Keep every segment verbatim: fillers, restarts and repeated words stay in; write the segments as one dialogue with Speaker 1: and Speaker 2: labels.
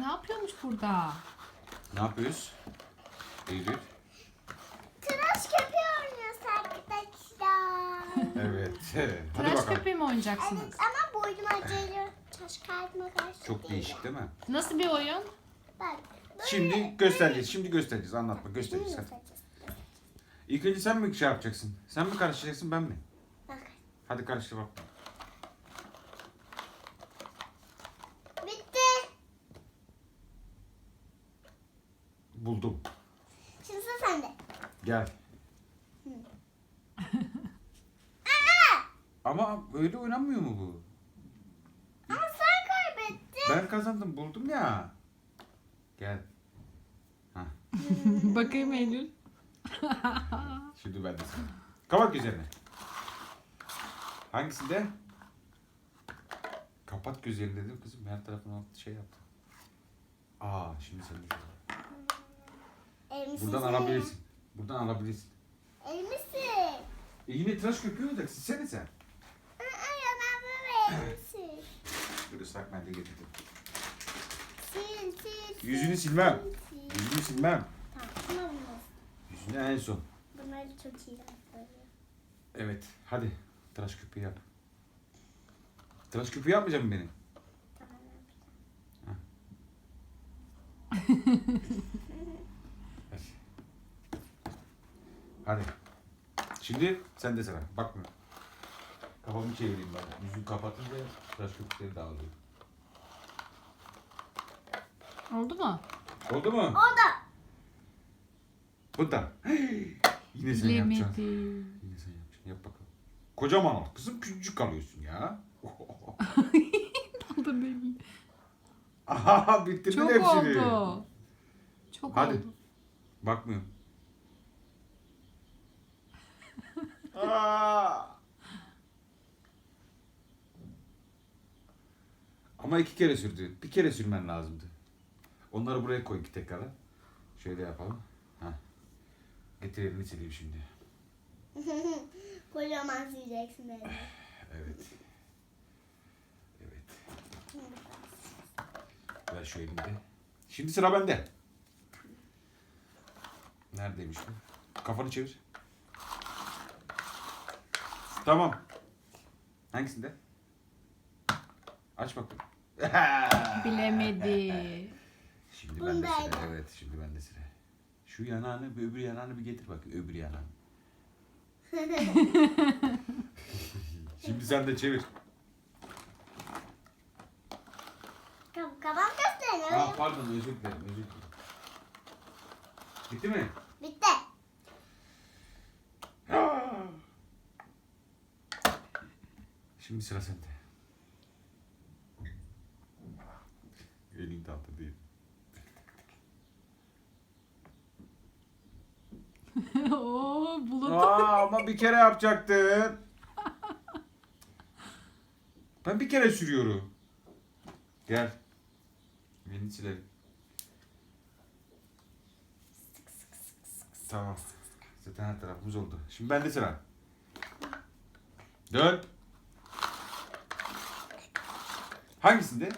Speaker 1: ne yapıyormuş burada?
Speaker 2: Ne yapıyoruz? Eylül.
Speaker 3: Tıraş köpüğü oynuyoruz arkadaşlar.
Speaker 2: Evet. Hadi
Speaker 1: Tıraş
Speaker 2: bakalım.
Speaker 1: köpeği mi oynayacaksınız?
Speaker 3: Evet ama boynum acıyor. Taş kalbime karşı.
Speaker 2: Çok değişik değil mi?
Speaker 3: Nasıl?
Speaker 1: Nasıl bir oyun?
Speaker 3: Bak. böyle-
Speaker 2: Şimdi göstereceğiz. Şimdi göstereceğiz. Anlatma.
Speaker 3: Bunu
Speaker 2: Göstereceğiz. Hadi.
Speaker 3: göstereceğiz.
Speaker 2: İlk önce sen mi şey yapacaksın? Sen mi karıştıracaksın ben mi?
Speaker 3: Bak.
Speaker 2: Hadi karıştır bak.
Speaker 3: Bitti.
Speaker 2: Buldum.
Speaker 3: Şimdi sıra sende.
Speaker 2: Gel. Ama öyle oynanmıyor mu bu?
Speaker 3: Ama sen kaybettin.
Speaker 2: Ben kazandım. Buldum ya. Gel. Hah.
Speaker 1: Bakayım Eylül.
Speaker 2: Şimdi ben de sana. Kapat gözlerini. Hangisinde? Kapat gözlerini dedim kızım. Her tarafına şey yaptım. Aa şimdi sen de.
Speaker 3: Elmisin.
Speaker 2: Buradan alabilirsin. Buradan alabilirsin.
Speaker 3: Elmisin.
Speaker 2: E yine tıraş köpüğü olacak. Silsene sen.
Speaker 3: Aa, ya ben böyle elmisin.
Speaker 2: Dur ıslak mendil getirdim.
Speaker 3: Sil sil. sil,
Speaker 2: Yüzünü silmem.
Speaker 3: sil, sil.
Speaker 2: Yüzünü silmem.
Speaker 3: Tamam. Ama bunu.
Speaker 2: Yüzünü en son.
Speaker 3: Bunları çok iyi yapıyorum.
Speaker 2: Evet. Hadi. Tıraş köpüğü yap. Tıraş köpüğü yapmayacak mısın beni?
Speaker 3: Tamam.
Speaker 2: Hadi. Şimdi sen de sıra. Bakma. Kafamı çevireyim ben. Yüzünü kapatınca tıraş köpükleri dağılıyor.
Speaker 1: Oldu mu?
Speaker 2: Oldu mu?
Speaker 3: O da.
Speaker 2: Bu da. Yine sen yapacaksın.
Speaker 1: Bilemedim.
Speaker 2: Yine sen yapacaksın. Yap bakalım. Kocaman ol. Kızım küçücük kalıyorsun ya.
Speaker 1: Oldu Eylül.
Speaker 2: Aha bitirdin
Speaker 1: Çok
Speaker 2: hepsini.
Speaker 1: oldu. Çok
Speaker 2: Hadi.
Speaker 1: oldu.
Speaker 2: Bakmıyorum. Aa! Ama iki kere sürdü. Bir kere sürmen lazımdı. Onları buraya koy iki tekrar. Şöyle yapalım. Heh. Getir elini sileyim şimdi.
Speaker 3: Kocaman sileceksin beni.
Speaker 2: Evet. Evet. Ver şu elini de. Şimdi sıra bende. Neredeymiş bu? Kafanı çevir. Tamam. Hangisinde? Aç bakalım.
Speaker 1: Bilemedi.
Speaker 2: Şimdi ben de
Speaker 3: Bundaydı.
Speaker 2: sıra. Evet, şimdi ben de sıra. Şu yanağını, bir öbür yanağını bir getir bak. Öbür yanağını. Şimdi sen de çevir.
Speaker 3: Tamam, kafam gösterin.
Speaker 2: Aa, pardon, özür dilerim, özür dilerim. Bitti mi?
Speaker 3: Bitti.
Speaker 2: Şimdi sıra sende. Elin tatlı değil.
Speaker 1: Oo, bulut.
Speaker 2: Aa, ama bir kere yapacaktın. Ben bir kere sürüyorum. Gel. Elini silelim. Tamam. Zaten her tarafımız oldu. Şimdi bende sıra. Dön. Hangisinde?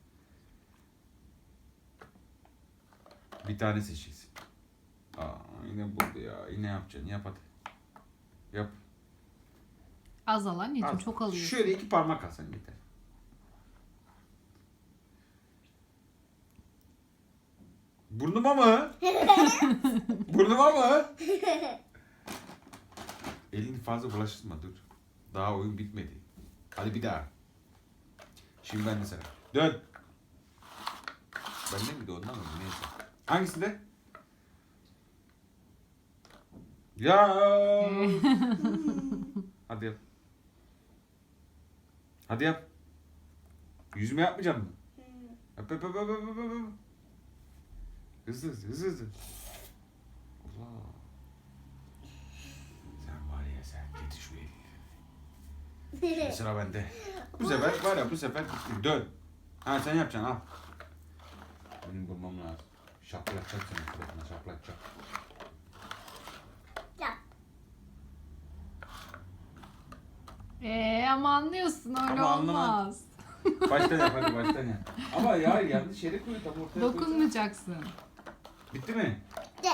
Speaker 2: Bir tane seçeceksin. Aa, yine buldu ya. Yine yapacaksın. Yap hadi. Yap.
Speaker 1: Az al anneciğim,
Speaker 2: Al.
Speaker 1: çok alıyorsun.
Speaker 2: Şöyle iki parmak alsan yeter. Burnuma mı? Burnuma mı? Elini fazla bulaştırma dur. Daha oyun bitmedi. Hadi bir daha. Şimdi ben de sana. Dön. Bende miydi ondan mı? Neyse. Hangisinde? Ya. Hadi yap. Hadi yap. Yüzüme yapmayacak mısın? Yap yap yap yap yap yap, yap. Hızlı hızlı hızlı hızlı. Allah. Sen var ya sen getir şu elini. Şimdi sıra bende. Bu sefer var ya bu sefer bitti. Dön. Ha sen yapacaksın al. Benim bulmam lazım. Şaplatacak seni suratına şaplatacak.
Speaker 3: Yap.
Speaker 1: Ee, ama anlıyorsun öyle
Speaker 2: Ama anlamam.
Speaker 1: olmaz.
Speaker 2: Baştan yap hadi baştan yap. Ama ya yanlış yere koy tam ortaya koy.
Speaker 1: Dokunmayacaksın.
Speaker 2: Bitti mi?
Speaker 3: De.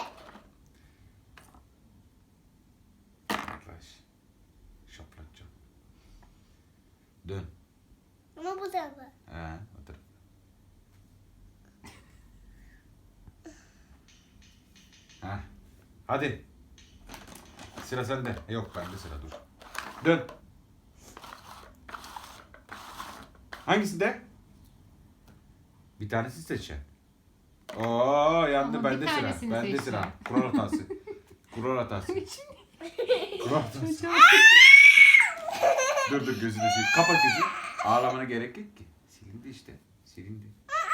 Speaker 2: Yaklaş. Şaplatacağım. Dön.
Speaker 3: Ama bu tarafa.
Speaker 2: He, otur. Heh. Hadi. Sıra sende. Yok bende sıra dur. Dön. Hangisinde? Bir tanesi seçeceksin. Oo yandı
Speaker 1: Ama bir
Speaker 2: bende sıra.
Speaker 1: tanesini
Speaker 2: Bende
Speaker 1: seçeceğim.
Speaker 2: sıra. Kural hatası. Kural hatası. Kural hatası. Dur dur gözünü sil. Kapat gözünü. Ağlamana gerek yok ki. Silindi işte. Silindi.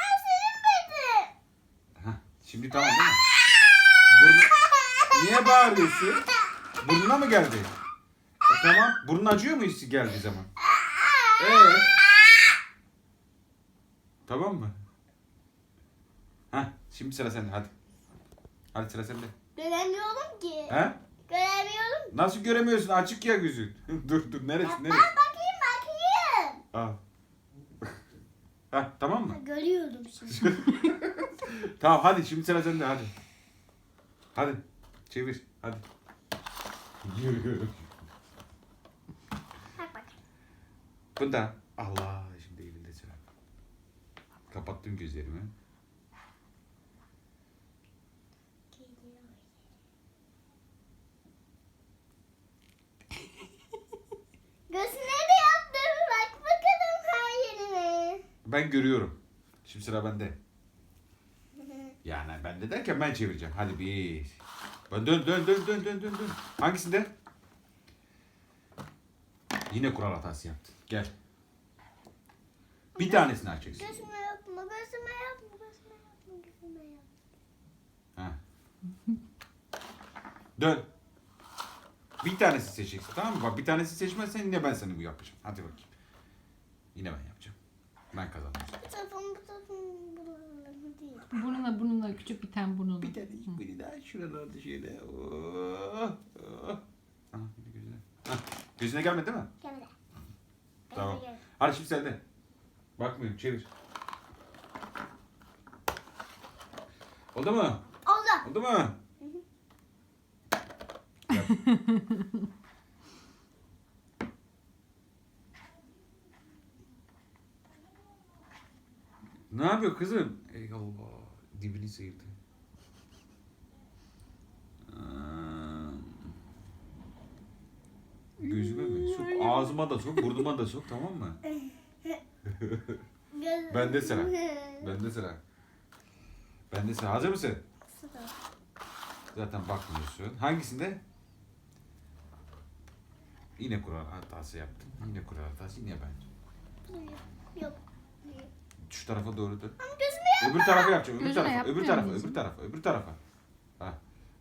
Speaker 2: Hah, şimdi tamam değil mi? Burnu... Niye bağırıyorsun? Burnuna mı geldi? E, tamam. Burnun acıyor mu hiç geldiği zaman? Ee? Tamam mı? Hah, şimdi sıra sende hadi. Hadi sıra sende.
Speaker 3: Göremiyorum ki.
Speaker 2: He?
Speaker 3: Göremiyorum.
Speaker 2: Nasıl göremiyorsun? Açık ya gözün. dur dur neresi
Speaker 3: Ben
Speaker 2: neresi?
Speaker 3: bakayım bakayım.
Speaker 2: Al. Hah, tamam mı?
Speaker 3: Görüyorum şimdi.
Speaker 2: Tamam hadi şimdi sıra sende hadi. Hadi çevir hadi. Yürü.
Speaker 3: Bak bak.
Speaker 2: Bunda Allah şimdi elinde sıra. Kapattım gözlerimi.
Speaker 3: Gözüne de yaptım. Bak bakalım her yerine.
Speaker 2: Ben görüyorum. Şimdi sıra bende. Yani bende derken ben çevireceğim. Hadi bir. Ben dön dön dön dön dön dön dön. Hangisinde? Yine kural hatası yaptın. Gel. Bir tanesini açacaksın.
Speaker 3: Gözüme yapma, gözüme yapma, gözüme yapma, gözüme yapma.
Speaker 2: Ha. Dön. Bir tanesi seçeceksin tamam mı? Bak bir tanesi seçmezsen yine ben sana bu yapacağım. Hadi bakayım. Yine ben yapacağım. Ben kazandım.
Speaker 3: Bu tarafım, bu tarafım, buralarım değil.
Speaker 1: Burnuna burnuna küçük bir tane burnuna.
Speaker 2: Bir tane biri daha şuralarda şöyle. Oh, oh. Ha, bir de gözüne. Ha, gözüne gelmedi değil mi?
Speaker 3: Gelmedi.
Speaker 2: Tamam.
Speaker 3: Gelmedi.
Speaker 2: Hadi şimdi sende. Bakmıyorum çevir. Oldu mu?
Speaker 3: Oldu.
Speaker 2: Oldu mu? Yap. Ne yapıyor kızım? Ey Allah. Dibini sıyırdı. Aa. Gözüme mi? Sok. Ağzıma da sok. Burnuma da sok tamam mı?
Speaker 3: Göz...
Speaker 2: Bende sıra. Bende sıra. Bende sıra. Hazır mısın?
Speaker 3: Sıra.
Speaker 2: Zaten bakmıyorsun. Hangisinde? Yine kural hatası yaptım. Yine kural hatası. Yine ben.
Speaker 3: Yok.
Speaker 2: Şu tarafa doğru dön.
Speaker 3: Ama gözüme yapma.
Speaker 2: Öbür tarafa yapacağım. Öbür
Speaker 1: Gözüne
Speaker 2: tarafa.
Speaker 1: yapmıyor
Speaker 2: Öbür tarafa.
Speaker 1: musun?
Speaker 2: Öbür tarafa. Öbür tarafa. Ha.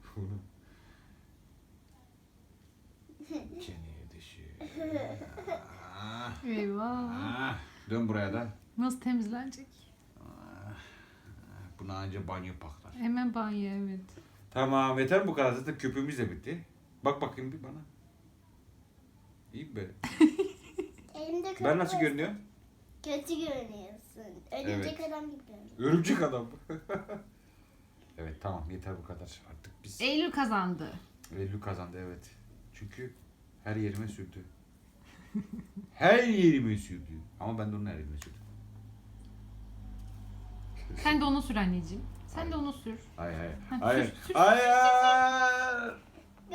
Speaker 2: Çeneye düşüyor. Ah,
Speaker 1: Eyvah.
Speaker 2: ah. Dön buraya da.
Speaker 1: Nasıl temizlenecek?
Speaker 2: Ah. Buna anca banyo paklar.
Speaker 1: Hemen banyo evet.
Speaker 2: Tamam yeter bu kadar. Zaten köpüğümüz de bitti. Bak bakayım bir bana. İyi mi böyle?
Speaker 3: Elimde köpük
Speaker 2: Ben nasıl
Speaker 3: var.
Speaker 2: görünüyor?
Speaker 3: Kötü görünüyorsun. Örümcek adam gibi görünüyorsun.
Speaker 2: Örümcek adam. Evet tamam yeter bu kadar. Artık biz...
Speaker 1: Eylül kazandı.
Speaker 2: Eylül kazandı evet. Çünkü her yerime sürdü. Her yerime sürdü. Ama ben de onun her yerime sürdüm.
Speaker 1: Sen de onu sür anneciğim. Sen de onu sür.
Speaker 2: Hayır hayır.
Speaker 1: Ha,
Speaker 2: Hayır.
Speaker 1: sür, sür,
Speaker 2: Hayır.